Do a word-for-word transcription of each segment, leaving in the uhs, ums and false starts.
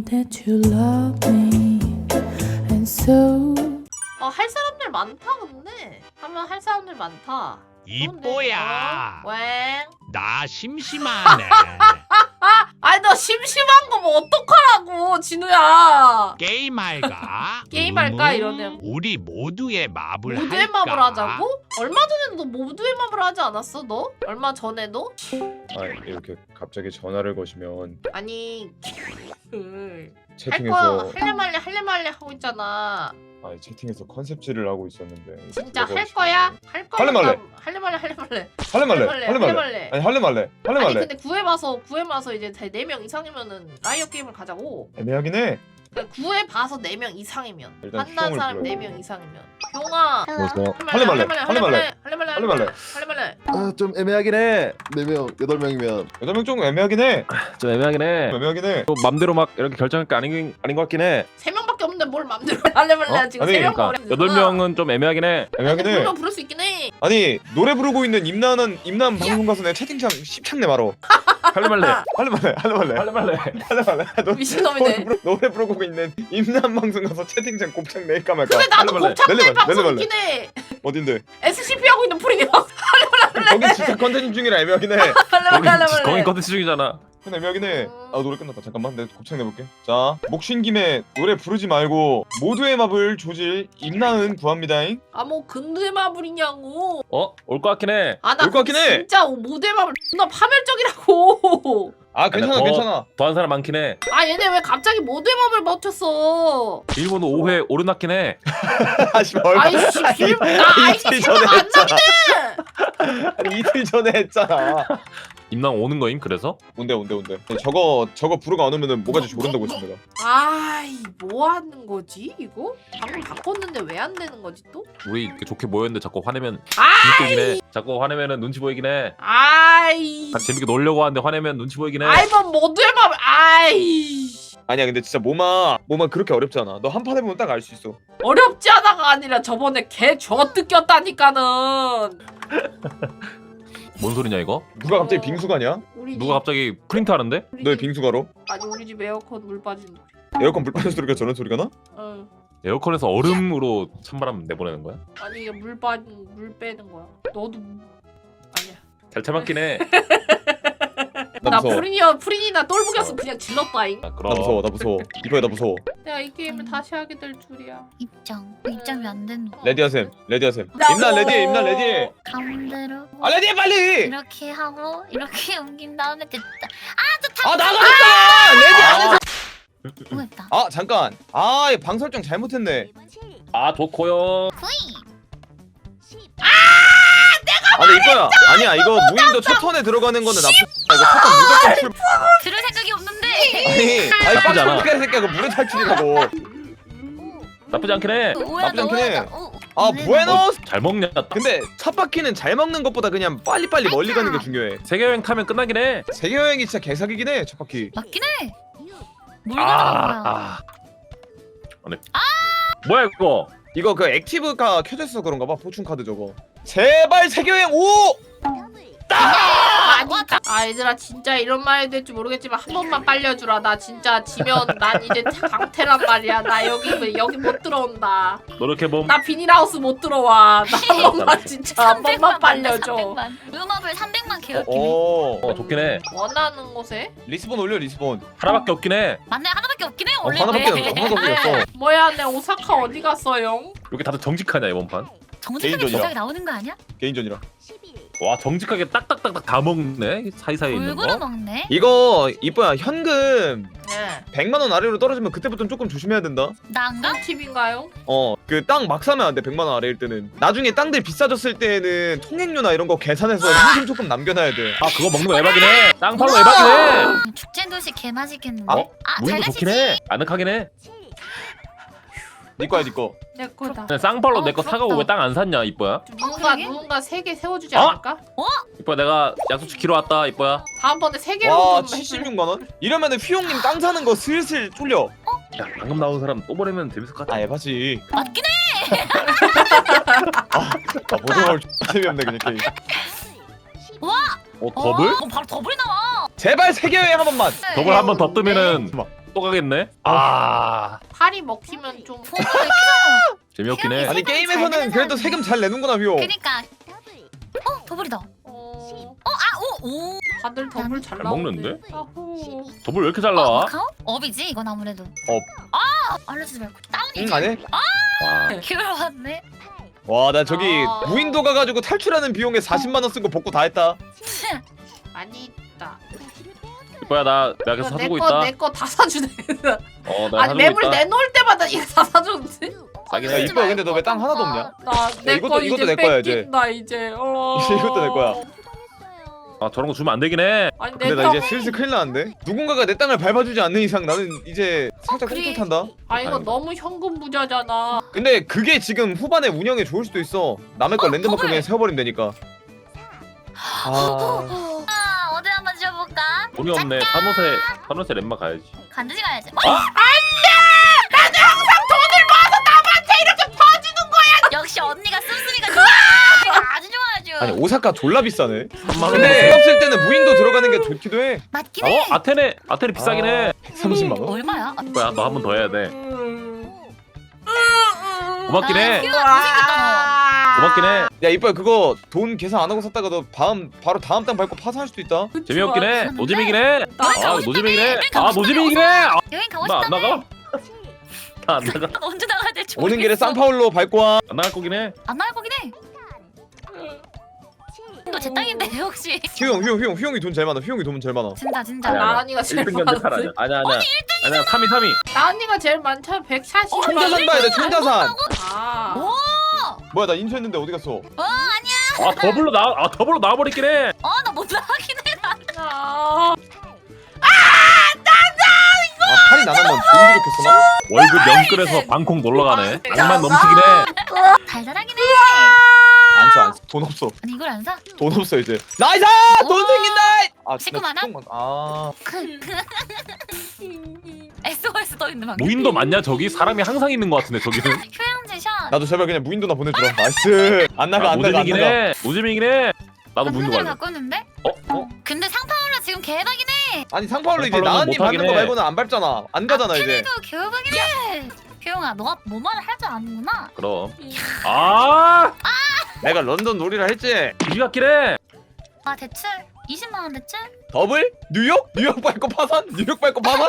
that you love me and so 어, 할 사람들 많다 근데 하면 할 사람들 많다. 이뽀야, 어? 왜? 나 심심하네. 아니 너 심심한 거 뭐 어떡하라고 진우야. 게임할까? 게임할까 음, 이러네요. 우리 모두의 마블 모두의 할까? 맘을 하자고? 얼마 전에도 너 모두의 맘을 하지 않았어 너? 얼마 전에도? 아 이렇게 갑자기 전화를 거시면 아니 그... 할 채팅에서 거 할래 말래 할래 말래 하고 있잖아. 아 채팅에서 컨셉질을 하고 있었는데 진짜 그거 할 거시면- 거야? 할 거야? 할래 말래? 할래 말래 할래 말래 할래 말래 할래 할래 말래 말래 아니 할래 말래 할래 아니 말래 근데 구해봐서 구해봐서 이제 네 명 이상이면은 라이어 게임을 가자고. 애매하긴 해. 그러니까 구해봐서 네 명 이상이면 일단 한다는 휘용을 사람 불러요. 네 명 이상이면 용아 그래서 할래 할래 말래 말래 할래 말래 할래 말래 할래 말래 할래 말래 아, 좀 애매하긴 해. 네 명, 여덟 명이면 여덟 명 좀 애매하긴 해. 좀 애매하긴 해. 애매하긴 해. 또 맘대로 막 이렇게 결정할 게 아닌 아닌 것 같긴 해. 세 명밖에 없는데 뭘 맘대로 할래 말래 어? 지금 아니, 세 명 그러니까 여덟 명은 좀 애매하긴 해. 애매하긴 해. 불러 부를 수 있긴 해. 아니 노래 부르고 있는 임나는 임남 방송 가서 내 채팅창 십창내 말어. 할래 말래. 할래 말래 할래 말래 할래 말래. 할래 말래. 노- 미친놈이네. 노래, 부르, 노래 부르고 있는 임남 방송 가서 채팅창 곱창 낼까 말까. 근데 나도 할래 말래. 곱창 낼래 낼 말래, 방송 낼래 있긴 해. 어딘데? 에스씨피 하고 있는 프리미엄. 거기 진짜 컨텐츠 중이라 애매하긴 해. 할래 말래 거기 할래 말래. 거기 컨텐츠 중이잖아. 근데 애매하긴 해. 아 노래 끝났다. 잠깐만 내가 곱창 내볼게. 자 목쉰 김에 노래 부르지 말고 모두의 맙을 조질 임나은 구합니다잉. 아뭐 근대 마블이냐고. 어? 올 것 같긴 해. 아나 올것 같긴 해. 진짜 모대 마블 존나 파멸적이라고. 아 괜찮아 더- 괜찮아. 더한 사람 많긴 해. 아 얘네 왜 갑자기 모대 마블 버텼어? 일본 오 회 오르났긴 해. 아씨 얼마 아이씨 길... 나 아이씨 이틀 생각 전에 안 했잖아. 나네. 아니 이틀 전에 했잖아. 임랑 오는 거임 그래서? 온대 온대 온대. 저거 저거 부르고 안 오면은 뭐가지 조른다고 했어 내가. 아이 뭐 하는 거지 이거? 방금 바꿨는데 왜 안 되는 거지 또? 우리 이렇게 좋게 모였는데 자꾸 화내면 아이 재밌긴 해. 자꾸 화내면은 눈치 보이긴 해. 아이 같이 재밌게 놀려고 하는데 화내면 눈치 보이긴 해. 아이 뭐 모두의 마블 아이 아니야 근데 진짜 모마 모마 그렇게 어렵지 않아. 너 한 판 해보면 딱 알 수 있어. 어렵지 않아가 아니라 저번에 개저 뜯겼다니까는. 뭔 소리냐 이거? 누가 갑자기 어. 빙수가냐? 우리 누가 집- 갑자기 프린트 하는데? 우리 너의 집- 빙수가로? 아니 우리 집 에어컨 물 빠지는 소리. 에어컨 불 빠진 소리가 저런 소리가 나? 어. 에어컨에서 얼음으로 찬바람 내보내는 거야? 아니 이게 물 빠진 물 빼는 거야. 너도 아니야. 잘 참았긴 해. 나 나 무서워. 프린이야 프린이나 똘보겼으면 그냥 질렀다잉. 아, 나 그럼. 무서워 나 무서워. 이거야 나 무서워. 내가 이 게임을 다시 하게 될 줄이야. 입장. 입장이 안 된다. 레디하셈 레디하셈. 나도. 임나 레디 임나 레디. 가운데로 아 레디 빨리. 이렇게 하고 이렇게 옮긴 다음에 됐다. 아 나가졌다. 레디 안 해서. 뭐했다. 아 잠깐. 아방 설정 잘못했네. 아 좋고요. 아 근데 이거야. 아니야 이거 무인도 첫 턴에 들어가는 거는 나쁘. 아, 이거 첫 턴 무조건 출. 들을 생각이 없는데. 아니 아니 나쁘지 않아. 빡쳐니까 새끼야 그 물에 탈출이라고. 나쁘지 않긴 해. 오야 나쁘지 않긴 해. 너야. 아 부에노스. 잘 먹냐? 근데 첫 바퀴는 잘 먹는 것보다 그냥 빨리빨리 멀리 가는 게 중요해. 세계 여행 타면 끝나긴 해. 세계 여행이 진짜 개사기긴 해 첫 바퀴. 맞긴 해. 뭘 가는 거야? 아. 네. 뭐야 이거? 이거 그 액티브가 켜져 있어 그런가 봐. 포춘 카드 저거. 제발 세계 여행 오. 아니, 아 얘들아 진짜 이런 말 해도 될지 모르겠지만 한 번만 빨려주라. 나 진짜 지면 난 이제 강태란 말이야. 나 여기 여기 못 들어온다. 노력해봄. 나 비닐하우스 못 들어와. 나 한 번만 진짜 한 번만 빨려줘. 삼백만. 음악을 삼백만 개혁기네. 어, 어 좋긴 해. 원하는 곳에? 리스본 올려 리스본. 하나밖에 없긴 해. 맞네 하나밖에 없긴 해 어, 원래. 하나밖에 없어. 하나밖에 없어. 뭐야 내 오사카 어디 갔어요? 이렇게 다들 정직하냐 이번 판? 정직하게 개인전이라. 조작이 나오는 거 아니야? 개인전이라. 와 정직하게 딱딱딱딱 다 먹네. 사이사이에 있는 골고루 거. 먹네. 이거 이뻐야 현금 네. 백만 원 아래로 떨어지면 그때부터는 조금 조심해야 된다. 나인가? 팁인가요? 어 그 땅 막 사면 안 돼. 백만 원 아래일 때는. 나중에 땅들 비싸졌을 때는 통행료나 이런 거 계산해서 현금 조금 남겨놔야 돼. 아 그거 먹는 거 에바긴 해. 땅팔로 에바긴 해. 축제 도시 개 맛있겠는데. 아, 아, 잘 무인도 좋긴 가시지. 해. 아늑하긴 해. 네 거야 네 거. 내 거다. 근데 쌍팔로 어, 내 거 사가고 부럽다. 왜 땅 안 샀냐 이뻐야? 누군가 그러게? 누군가 세 개 세워주지 어? 않을까? 이뻐야 내가 약속 지키러 왔다 이뻐야. 다음번에 세 개로 와 좀 해줄래? 칠십육만 원? 이러면은 휘용님 땅 사는 거 슬슬 쫄려. 야 방금 나온 사람 또 보내면 재밌을 것 같아. 아 에바지. 맞긴 해. 아 보정을 재미없네 그냥 게임. 어 더블? 어, 바로 더블이 나와. 제발 세계 여행 한 번만. 더블 한 번 더 뜨면은 또 가겠네. 아 팔이 먹히면 좀 폼을 왜 키잖아. 재미없긴 해. 아니 세금 잘 게임에서는 내는 그래도 사람이네. 세금 잘 내는구나 휘용. 그니까. 어 더블이다. 어... 아오오. 다들 더블 잘 잘 나오네. 먹는데? 야호. 더블 왜 이렇게 잘 나와? 마카오? 업이지 이건 아무래도. 업. 아 알려주지 말고 다운이지. 응 안해? 와 기울 왔네. 와 나 저기 아. 무인도 가가지고 탈출하는 비용에 사십만 원 쓴 거 복구 다 했다. 많이 있다. 이뻐야 나 내가 계속 사주고 내거 있다. 내 거 다 사주네. 어 내가 아니 사주고 맵을 있다. 내놓을 때마다 이거 다 사주는데? 싸긴 야 해. 이뻐야 근데 너 왜 땅 하나도 없냐? 나내 이것도- 거 이것도 이제 내 거야, 이제. 뺏긴다 이제. 어... 이것도 내 거야. 아 저런 거 주면 안 되긴 해. 아니 근데 내 나 땅. 이제 슬슬 큰일 나는데? 누군가가 내 땅을 밟아주지 않는 이상 나는 이제 살짝 그래. 꿀꿀탄다. 아 이거 아이고. 너무 현금 부자잖아. 근데 그게 지금 후반에 운영에 좋을 수도 있어. 남의 걸 어, 랜드마크 더블. 그냥 세워버리면 되니까. 아... 아 어디 한번 지어볼까? 돈이 없네. 산호세 산호세 렘마 가야지. 간드지 가야지. 어? 나도 항상 돈을 모아서 남한테 이렇게 퍼주는 거야. 역시 언니가 씀씀이가 좋아. 아주 좋아하죠. 아니 오사카 졸라 비싸네. 삼만 원. 근데 없을 때는 무인도 들어가는 게 좋기도 해. 맞긴 어 해. 아테네 아테네 비싸긴 해. 백삼십만 원? 얼마야? 뭐야 너 한 번 더 해야 돼. 음. 고맙긴 아, 해. 휴가 잘생겼다 고맙긴 해. 야 이뻐야 그거 돈 계산 안 하고 샀다가 너 다음 바로 다음 땅 밟고 파산할 수도 있다. 재미없긴 해. 노잼이긴 해. 나 아 가고 노잼이긴 해. 싶다며. 아 노잼이긴 해. 아, 너. 여행 가고 나 안 싶다며. 나가. 나 안 나가. 언제 나가야 될지 오는 길에 모르겠어. 산파울로 밟고 와. 안 나갈 거긴 해. 안 나갈 거긴 해. 너 제 땅인데 혹시. 휴용 휴용 휴용 휴용이 돈 제일 많아. 휴용이 돈 제일 많아. 진짜 진짜. 아니야, 아니야. 나은이가 제일 일 등 견제 탈 많았지. 아니야. 아니야 아니야. 아니야 삼 위 삼 위. 나은이가 제일 많잖아. 백사십. 총자산 봐야 돼 총자산. 아. 오. 뭐야 나 인수했는데 어디 갔어? 아 더블로 나아 더블로 나와버리긴 해. 어나 못 나가긴 해. 나. 아. 아 팔이 나가면 돈 부족했어 나? 월급 영끌에서 방콕 놀러 가네. 낭만 넘치긴 해. 달달하긴 해. 안써 안써 돈 없어. 아니 이걸 안 사? 돈 없어 이제. 나이스! 돈 오. 생긴다! 아 식구 많아? 식구 많- 아 에스오에스 떠 있는 방. 무인도 맞냐 저기? 사람이 항상 있는 것 같은데 저기는. 휴양지 샷. 나도 제발 그냥 무인도나 보내주라. 나이스. 안 나가 아, 안 나가 안 노잼이긴 나가. 해. 노잼이긴 해. 나도 한 무인도 분을 갈래. 갖고 있는데? 어? 어? 근데 상파울라 지금 개박이네. 아니 상파울로 이제 상파울로는 나은님 못하긴 받는 거 해. 말고는 안 밟잖아. 안 가잖아 이제. 도 개박이네. 교영아 너가 뭐 말을 할 줄 아는구나. 그럼. 아! 내가 런던 놀이라 했지. 이지 같긴 해. 아 대출 이십만 원 대출? 더블? 뉴욕? 뉴욕 밟고 파산? 뉴욕 밟고 파산?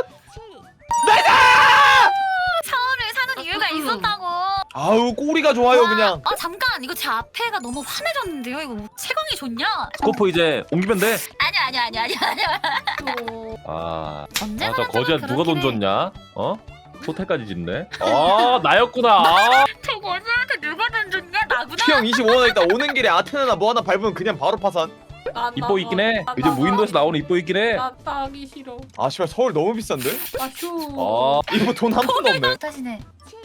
서울을 사는 이유가 있었다고. 아우 꼬리가 좋아요 그냥. 아 잠깐 이거 제 앞에가 너무 환해졌는데요. 이거 뭐 채광이 좋냐? 스코프 이제 옮기면 돼. 아니야 아니야 아니야 아니야 아니야. 또. 아. 언제 아, 저 말했잖아, 거지한테 누가 돈 그렇긴 해. 줬냐? 어? 호텔까지 짓네. 아, 나였구나. 아. 저 거지한테 누가 돈 줬냐? 나구나. 피형 이십오 원 있다. 오는 길에 아테나나 뭐 하나 밟으면 그냥 바로 파산. 나, 이뻐 있긴 해. 나, 이제 나, 무인도에서 나오는 이뻐 있긴 해. 나 따기 싫어. 아 씨발 서울 너무 비싼데? 아 휴. 어. 이거 돈 한 푼도 없네. 다시네.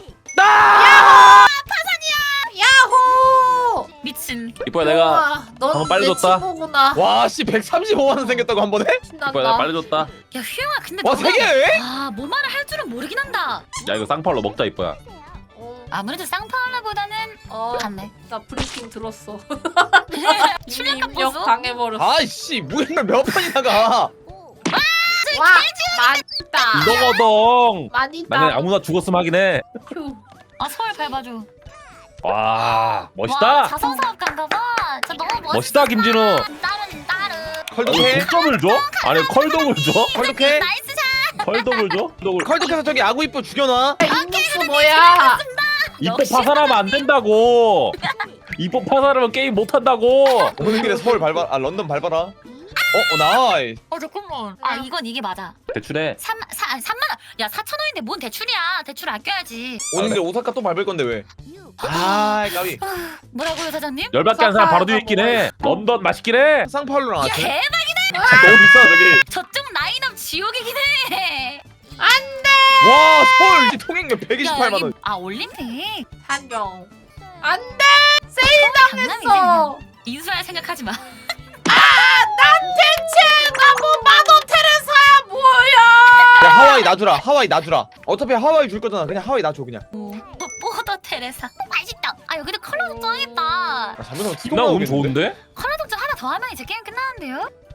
야호! 미친. 이뻐야 내가 우와, 넌 방금 빨리 내 줬다. 친구구나. 와씨 백삼십오만 원 생겼다고 한 번에? 신난다. 이뻐야 내가 빨리 줬다. 야 휴영아 근데 와 너가- 세 개? 아뭐 말을 할 줄은 모르긴 한다. 야 이거 쌍팔로 먹자 이뻐야. 어, 아무래도 쌍파울라보다는 어, 갔네. 나 브리핑 들었어. 출력값 입력 보소. 당해버렸어. 아이씨 무인도 몇 판이 나가? 와, 많다. 이거거든. 많이 나는 따. 아무나 죽었으면 하긴 해. 휴. 아 서울 밟아줘. 와 와, 멋있다. 자선사업가인가 봐. 저 너무 멋있어. 멋있다 김진우. 따른 따른. 컬독해? 득점을 줘? 아니 컬독을 줘? 컬독해? 나이스 샷. 컬독을 줘? 컬독을. 컬독해서 저기 아구 이뻐 죽여놔. 인육수 뭐야? 이뻐 역시 파산하면 안 된다고. 이뻐 파산하면 게임 못 한다고. 오는 길에 서울 밟아. 아 런던 밟아라. 어, 어 나이. 어 잠깐만. 아 이건 이게 맞아. 대출해. 삼만 사 아니, 삼만 원. 야 사천 원인데 뭔 대출이야? 대출 아껴야지. 오는 길에 오사카 또 밟을 건데 왜? 아 까비. 뭐라고요 사장님? 열받게 한 사람 바로 뒤에 있긴 해. 런던 맛있긴 해. 쌍파울로랑 야 아테. 대박이네. 너무 비싸 저기. 저쪽 라인업 지옥이긴 해. 와 서울 이제 통행료 백이십팔만 원. 아 올림픽. 한경. 안 돼! 장난이지, 세일당했어! 그냥. 인수할 생각하지 마. 난 대체 나뭐 마더 테레사야 뭐야! 야 하와이 놔주라. 하와이 놔주라. 어차피 하와이 줄 거잖아. 그냥 하와이 놔줘 그냥. 오, 뽀더 테레사. 맛있다. 아 여기도 컬러 독점 하겠다. 아 잘못하면 나 운 좋은데? 컬러 독점 하나 더 하면 이제 게임 끝나는데요?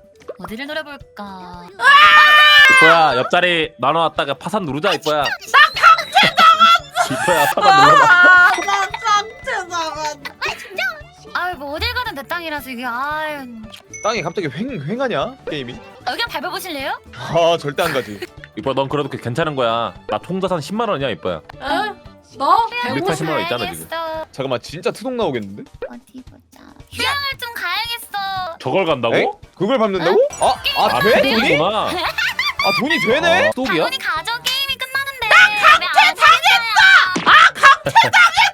어디를 노려볼까? 이뻐야 옆자리 나눠놨다가 파산 누르자 이뻐야. 나 강퇴당한. 이뻐야 파산 눌러봐. 아, 나 강퇴당한. 아유 뭐 어딜 가든 내 땅이라서 이게 아유. 땅이 갑자기 횡 횡하냐 게임이? 여기 한번 밟아보실래요? 아 절대 안 가지. 이뻐야 넌 그래도 괜찮은 거야. 나 통자산 십만 원이야 이뻐야. 에? 너? 백오십 만 원 있잖아, 지금. 알겠어. 잠깐만 진짜 트동 나오겠는데? 어디 보자. 휴양을 좀 가야겠어. 저걸 간다고? 에? 그걸 밟는다고? 아, 아 아, 돼? 네. 돈이? 돈이구나. 아 돈이 되네? 아, 스톡이야? 당연히 가져 게임이 끝나는데. 나 강퇴당했다.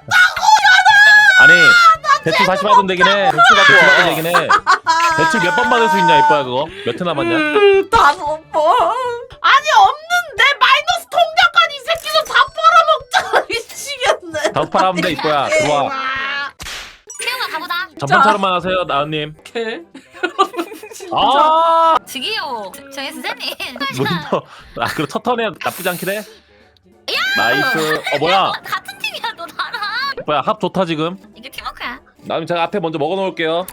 아니 대출 다시 받으면 되긴 해. 대출 받으면 되긴 해. 대출 몇 번 받을 수 있냐 이뻐야 그거? 몇 회 남았냐? 음, 다섯 번. 아니 없는데 마이너스 통장까지 이 새끼도 다 빨아먹잖아. 미치겠네. 다섯 판 하면 돼 이뻐야. 들어와. 태용아 가보자. 전판처럼만 하세요 나은님. 개. 아 저기요. 저기 선생님. 뭐야? 아 그럼 첫 턴에 나쁘지 않긴 해. 나이스. 어 뭐야? 같은 팀이야 너 나랑. 이뻐야 합 좋다 지금. 이게 팀워크야. 나는 제가 앞에 먼저 먹어놓을게요.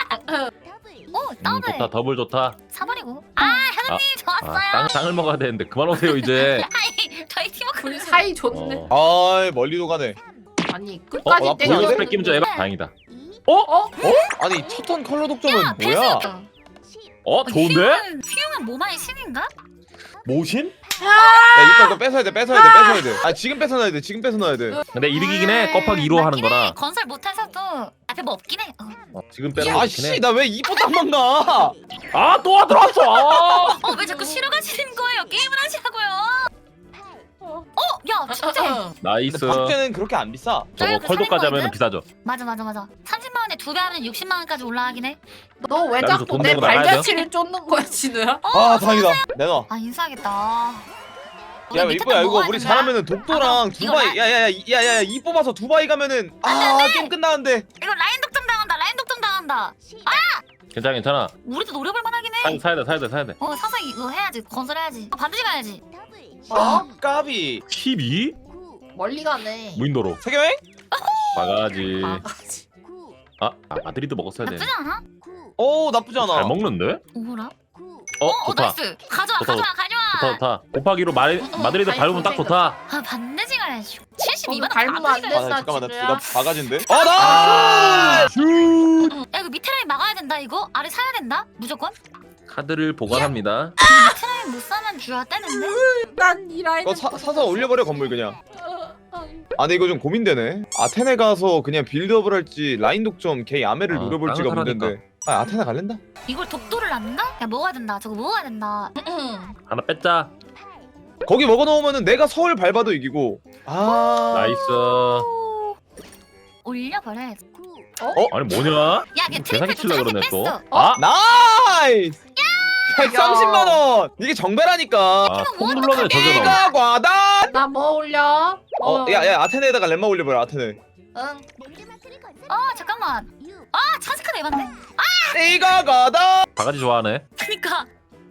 오 음, 더블. 좋다 더블 좋다. 사버리고. 아 현우님 아, 좋았어요. 땅, 땅을 먹어야 되는데 그만 오세요 이제. 아니 저희 팀워크. 우리 사이 좋네. 어. 아 멀리도 가네. 아니 끝까지 어, 나 때려. 보여도 돼? 뺏기면 좀 해봐. 다행이다. 어? 아니 첫 턴 컬러 독점은 야, 뭐야? 어 좋은데? 휘용은, 휘용은 모마의 신인가? 모신? 야 이거 이거 뺏어야 돼 뺏어야 돼 뺏어야 돼. 아 지금 뺏어놔야 돼 지금 뺏어놔야 돼. 근데 이득이긴 해. 껍하기 이로 하는 맞긴 해. 거라. 건설 못해서도 앞에 뭐 없긴 해. 어. 어, 지금 빼는 거 좋긴 해. 아씨 나 왜 이뽀 땅만 가? 아또 들어왔어. 아. 어, 왜 자꾸 쉬러 가시는 거예요? 게임을 하시라고요. 어, 야, 축제. 나이스. 근데 박제는 그렇게 안 비싸. 저거 컬도까지 하면 비싸죠. 맞아, 맞아, 맞아. 삼십만 원에 두 배 하면 육십만 원까지 올라가긴 해. 너 왜 여기서 자꾸 돈 내 내고 나가야 발자취를 쫓는 거야 진우야? 아 다행이다. 내놔. 아, 인사하겠다. 야 이뻐야 이거 우리 잘하면은 독도랑 아, 이거 두바이 야야야야야야 이 뽑아서 두바이 가면은 아 게임 끝나는데. 이거 라인 독점 당한다. 라인 독점 당한다. 괜찮아 괜찮아. 우리도 노려볼 만하긴 사, 해. 사야 돼 사야 돼 사야 돼. 어, 사서 이거 해야지. 건설해야지. 어, 반드시 가야지. 아 까비. 십이? 멀리 가네. 무인도로. 세계여행? 바가지. 바가지. 아, 아 마드리드 먹었어야 돼. 나쁘지 않아? 오 나쁘지 않아. 잘 먹는데? 오라? 어 어, 좋다. 나이스. 가져와, 좋다, 가져와, 가져와. 좋다 좋다. 곱하기로 마, 마드리드 아이, 밟으면 딱 좋다. 아, 반드시 가야지. 칠십이 만 거기 밟으면 안 돼. 아 나, 잠깐만 나, 진우야. 나 바가지인데. 아 나. 야, 이거 밑에 라인 막아야 된다, 이거? 아래 사야 된다? 무조건? 카드를 보관합니다. 밑에 라인 못 사면 주야 떼는데? 난이 라인. 이거 사, 사서 올려버려 건물 그냥. 아 근데 이거 좀 고민되네. 아테네 가서 그냥 빌드업을 할지 라인 독점 개 야매를 아, 노려볼지가 땅을 문제인데. 아 아테네 갈랜다? 이걸 독도를 낳는다? 야, 먹어야 된다. 저거 먹어야 된다. 하나 뺐자. 거기 먹어놓으면은 내가 서울 밟아도 이기고. 아 나이스. 올려버려야지. 아니 뭐냐? 야, 걔 뭐 트리플 개사기 칠라 또 그러네 또. 뺐어. 아, 나이스. 백삼십만 원. 이게 정배라니까. 아, 손 눌러내 저게 나. 이가 과다. 나 뭐 올려? 어, 야, 야, 아테네에다가 렘마 올려버려, 아테네. 응. 어, 잠깐만. 아, 찬스카드 에반데? 이가 과다. 바가지 좋아하네. 그니까.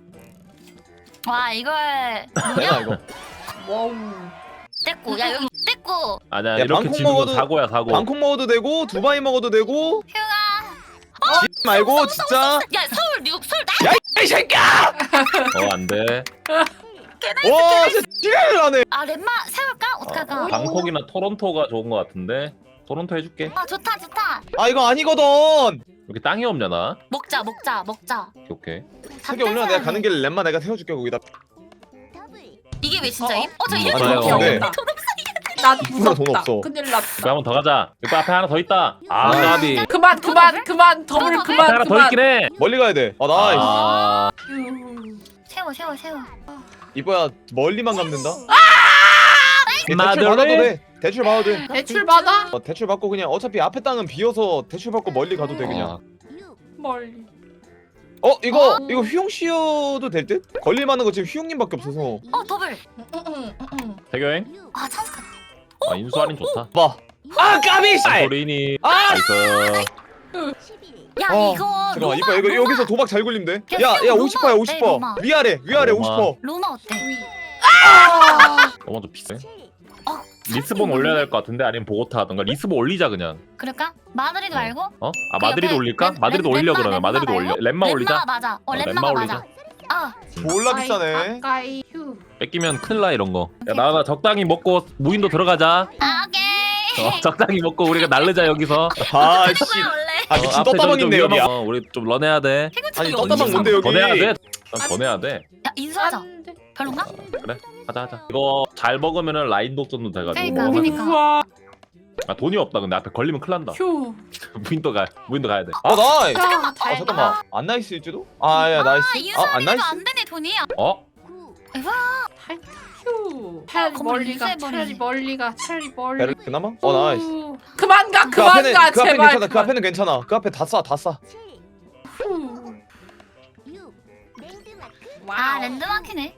와, 이걸 내가 뭐냐? 이거. 와우. 뗐고. 야, 여기 뗐고. 아니야 야, 이렇게 방콕 지는 건 먹어도- 사고야 사고. 방콕 먹어도 되고, 두바이 먹어도 되고. 휴가. 지 말고 진짜. 야, 서울, 뉴욕, 서울 나. 야, 이 새끼야! 어 안돼. 와, 진짜 지랄을 하네. 아, 렘마 세울까? 어떡할까? 어, 방콕이나 토론토가 좋은 거 같은데. 토론토 해줄게. 아, 좋다, 좋다. 아, 이거 아니거든. 이렇게 땅이 없냐 나? 먹자, 먹자, 먹자. 오케이 오케이. 다 세계 올려, 떼서야 내가 돼. 가는 길에 렘마 내가 태워줄게 거기다. 이게 왜 진짜임? 어? 어, 저 음, 이렇게 맞아요. 먹자. 네. 난 이쁘나 돈 무섭다. 없어. 큰일 났다. 이거 한번 더 가자. 이거 앞에 하나 더 있다. 아 까비. 그만 그만 그만 더블 더블? 앞에 그만 하나 더 그만. 있긴 해. 멀리 가야 돼. 아, 나이스. 아 휴. 세워, 세워, 세워. 이뻐야, 멀리만 가면 된다. 아! 대출 받아도 마드리. 돼. 대출 받아도 돼. 대출 받아? 어, 대출 받고 그냥 어차피 앞에 땅은 비어서 대출 받고 멀리 가도 돼 그냥. 멀리. 어 이거 어. 이거 휘용 씨여도 될 듯? 걸릴만한 거 지금 휘용님밖에 없어서. 어, 더블. 대교행. 아, 찬스카드. 아 인수 할인 좋다. 봐. 아 까비. 소리니. 아 나이스. 야, 어, 이거 잠깐만 로마, 이뻐 이거 로마. 여기서 도박 잘 굴리면 돼. 야, 야야 로마 오십 퍼야 어때, 오십 퍼. 로마? 위아래 위아래 로마. 오십 퍼. 로마 어때? 너무 좀 비싸. 어, 리스본 올려야 될 것 같은데 아니면 보고타 하던가. 리스본 올리자 그냥. 그럴까? 마드리드 말고? 어? 아 그 마드리드 옆에 올릴까? 렘- 마드리드 렘- 올려 렘마, 그러면 렘마 마드리드 말고? 올려. 렘마 올리자. 렘마가 맞아. 어, 어, 렘마가 렘마 올리자. 맞아. 아 졸라 비싸네. 가까이 휴. 뺏기면 큰일 나 이런 거. 야 나나 적당히 먹고 무인도 들어가자. 아, 오케이. 어, 적당히 먹고 우리가 날르자 여기서. 아씨. 그거야 원래. 아 미친 어, 앞에 떴다방 좀 있네 위험한 여기야. 거. 우리 좀 런해야 돼. 아니 어디서 떴다방 뭔데 여기? 더 내야 돼. 더 내야 돼. 야 인수하자. 안 돼. 별론가? 그래 하자 하자. 이거 잘 먹으면은 라인 독점도 돼가지고. 그러니까, 뭐 그러니까. 우와. 아 돈이 없다. 근데 앞에 걸리면 큰일 난다. 휴. 무인도 가 무인도 가야 돼. 아 나이스. 잠깐만. 아 잠깐만. 안 나이스일지도? 아야 나이스. 아 아 인수하면 안 나이스. 안 되네 돈이. 어? 휴. 차라리 건물 멀리 가. 인쇄해버리네. 차라리 멀리 가. 차라리 멀리. 베르 그나마? 어 나이스. 후. 그만 가. 그 그만 앞에는 가. 그 앞에는 제발. 괜찮아. 그 앞에는 괜찮아. 그 앞에 다 싸, 다 싸. 후. 아 와우. 랜드마크네.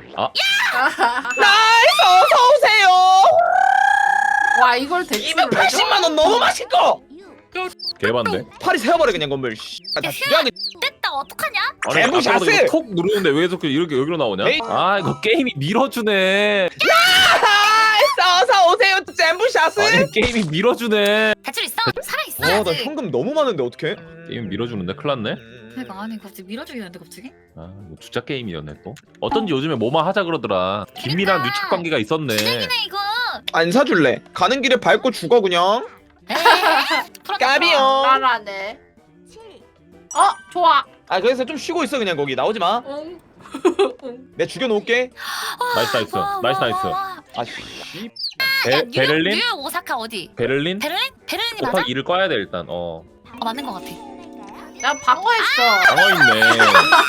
나이스 어서 오세요. 와 이걸 대출을 해줘? 원 너무 맛있고. 개반데. 팔이 세어버려 그냥 건물. 씨. 아, 다 죽여야겠. 됐다 어떡하냐? 아니 제부 아까보다 샷을! 이거 톡 누르는데 왜 자꾸 이렇게 여기로 나오냐? 에이. 아 이거 게임이 밀어주네. 나이스 어서 오세요. 잼부 샷을. 아니 게임이 밀어주네. 대출 있어? 살아 있어. 어나 현금 너무 많은데 어떡해? 게임 밀어주는데 큰일 났네. 그러니까 아니 갑자기 밀어주기는데 갑자기? 아 이거 주작 게임이었네 또. 어쩐지 요즘에 뭐만 하자 그러더라. 김미랑 그러니까. 유착 관계가 있었네. 쓰레기네 이거. 안 사줄래? 가는 길에 밟고 죽어 그냥. 에이, 풀었다. 까비요. 나라네. 어 좋아. 아 그래서 좀 쉬고 있어 그냥 거기 나오지 마. 응. 응. 내 죽여놓을게. 나이스 나이스 와, 나이스 와, 나이스. 와, 와. 아씨. 베, 야, 뉴욕, 베를린? 뉴욕 오사카 어디? 베를린? 베를린? 베를린이 맞아? 곱하기 이를 꺼야 돼 일단. 어. 어 맞는 것 같아. 나 방어했어. 방어 있네.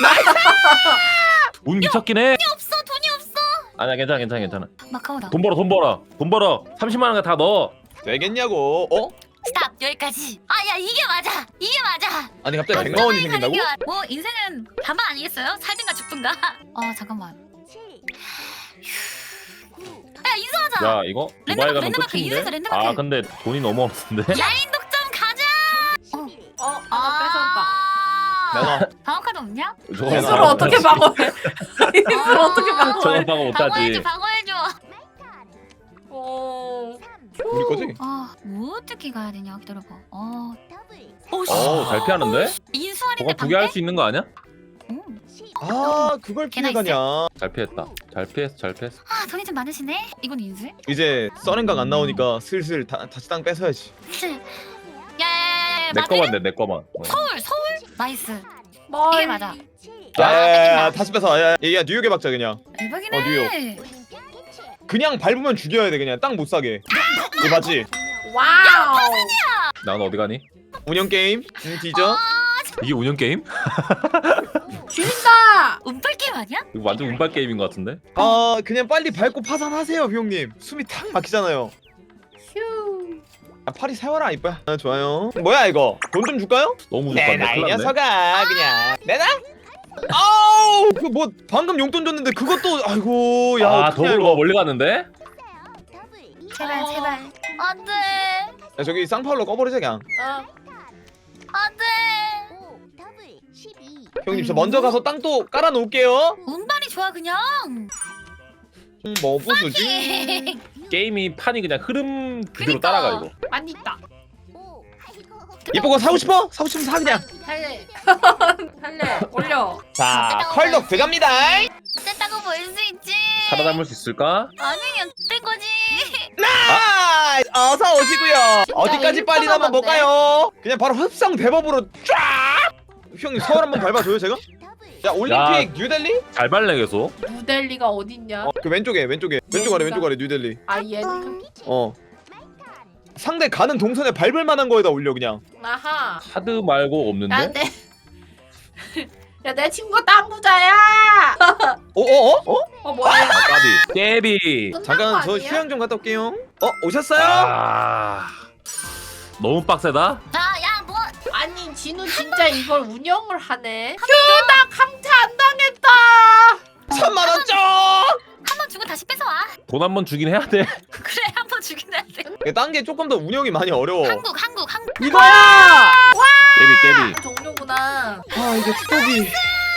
운 미쳤긴 해. 없어 돈이 없어. 아니야 괜찮아 괜찮아 괜찮아. 마카오다. 돈 벌어 돈 벌어 돈 벌어. 삼십만 원 다 넣어. 되겠냐고. 어? 스탑 여기까지. 아 야 이게 맞아. 이게 맞아. 아니 갑자기 백만 원이 생긴다고? 뭐 인생은 반반 아니겠어요? 살든가 죽든가. 어 잠깐만. 야 인수하자. 야 이거 두바이 가면 랜드마크, 끝인데? 인쇄소 랜드마크. 아 근데 돈이 너무 없는데? 라인 독점 가자. 어 하나 뺏었다. 내놔. 방어카드 없냐? 저거 인수를 이수를 방어 어떻게 못하지. 방어해? 이수를 어떻게 저건 방어해? 방어 못하지. 방어해줘 방어해줘. 어. 우리 거지? 아뭐 어떻게 가야 되냐 기다려봐. 어. 어잘 피하는데? 인수하는데 저거 두 개 할 수 있는 거 아니야? 아 그걸 걔나 피해가냐. 잘 피했다. 잘 피했어 잘 피했어. 아 돈이 좀 많으시네. 이건 인수해? 이제 써렌각 안 나오니까 슬슬 다, 다시 땅 뺏어야지. 야야야야. 내 거만 내 내 거만. 어. 서울 서울 나이스. 멀리. 이게 맞아. 야야야 다시 뺏어. 야야 야, 뉴욕에 박자 그냥. 대박이네. 어, 뉴욕. 그냥 밟으면 죽여야 돼 그냥 땅 못 사게. 이거 맞지? 와우. 난 어디 가니? 운영 게임. 응 뒤져. 이게 운영 게임? 죽인다. 운빨 게임 아니야? 이거 완전 운빨 게임인 것 같은데? 아 그냥 빨리 밟고 파산하세요 형님. 숨이 탁 막히잖아요. 휴. 아, 팔이 세워라 이뻐야. 아, 좋아요. 뭐야 이거? 돈 좀 줄까요? 너무 내놔 좋다. 이 큰일 났네. 녀석아 그냥. 내놔? 아우 그 뭐 방금 용돈 줬는데 그것도 아이고 야 아 어떡해, 더블 이거. 멀리 갔는데? 제발 어. 제발. 안돼 야 저기 쌍파울로 꺼버리자 그냥. 어. 안돼. 형님 저 먼저 가서 땅 또 깔아놓을게요. 운빨이 좋아 그냥. 음, 뭐 부수지? 게임이 판이 그냥 흐름 그대로 그니까. 따라가 이거. 많이 있다. 이쁜 거 사고 싶어? 사고 싶으면 사 그냥. 할래. 할래. 올려. 자 컬덕 들어갑니다. 어쨌다고 보일 수 있지. 살아남을 수 있을까? 아니 된 거지. 아 어서 오시고요. 어디까지 빨리 나면 일본어인데? 볼까요? 그냥 바로 흡성 대법으로 쫙. 형님 서울 한번 밟아줘요 제가. 야 올림픽 뉴델리? 잘 발레 계속. 뉴델리가 어딨냐? 어, 그 왼쪽에 왼쪽에 왼쪽 아래 왼쪽 아래 뉴델리. 아 얘. 어. 상대 가는 동선에 밟을 만한 거에다 올려 그냥. 아하. 카드 말고 없는데? 나내. 야 내 친구 땅 부자야. 어 어 어? 어? 어 뭐야? 아 까비. 깨비. 끝난 거 잠깐 저 아니야? 휴양 좀 갔다 올게요. 어 오셨어요? 아 너무 빡세다. 자야 뭐. 아니 진우 진짜 이걸 운영을 하네. 휴나 강퇴 안 당했다. 천만 원 쪽. 한 번 주고 다시 뺏어와. 돈 한 번 주긴 해야 돼. 그래 한 번 주긴 해야 돼. 딴 게 조금 더 운영이 많이 어려워. 한국 한국 한국. 이거야. 깨비 깨비. 종료구나. 아 이게 투독이.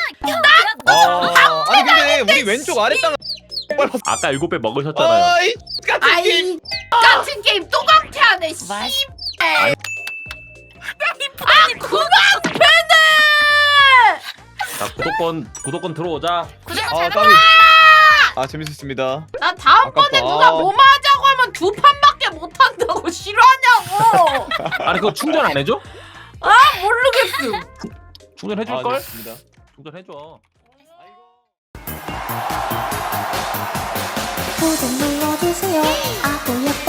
아, 아니 근데 우리 왼쪽 아래 땅. 아까 일곱 배 먹으셨잖아요. 아이 같은 아이 게임. 같은 게임 또 강퇴하네. 씨. 와, 씨. 아 그만 패네. 자 구독권 구독권 들어오자. 구독 아 잘 까비. 아 재밌었습니다. 나 다음번에 아깝다. 누가 뭐만 하자고 하면 두 판밖에 못 한다고 싫어하냐고. 아니 그거 충전 안 해줘? 모르겠음. 충전 해줄 아, 걸? 좋습니다. 충전 해줘. 구독 눌러주세요. 아구 옆에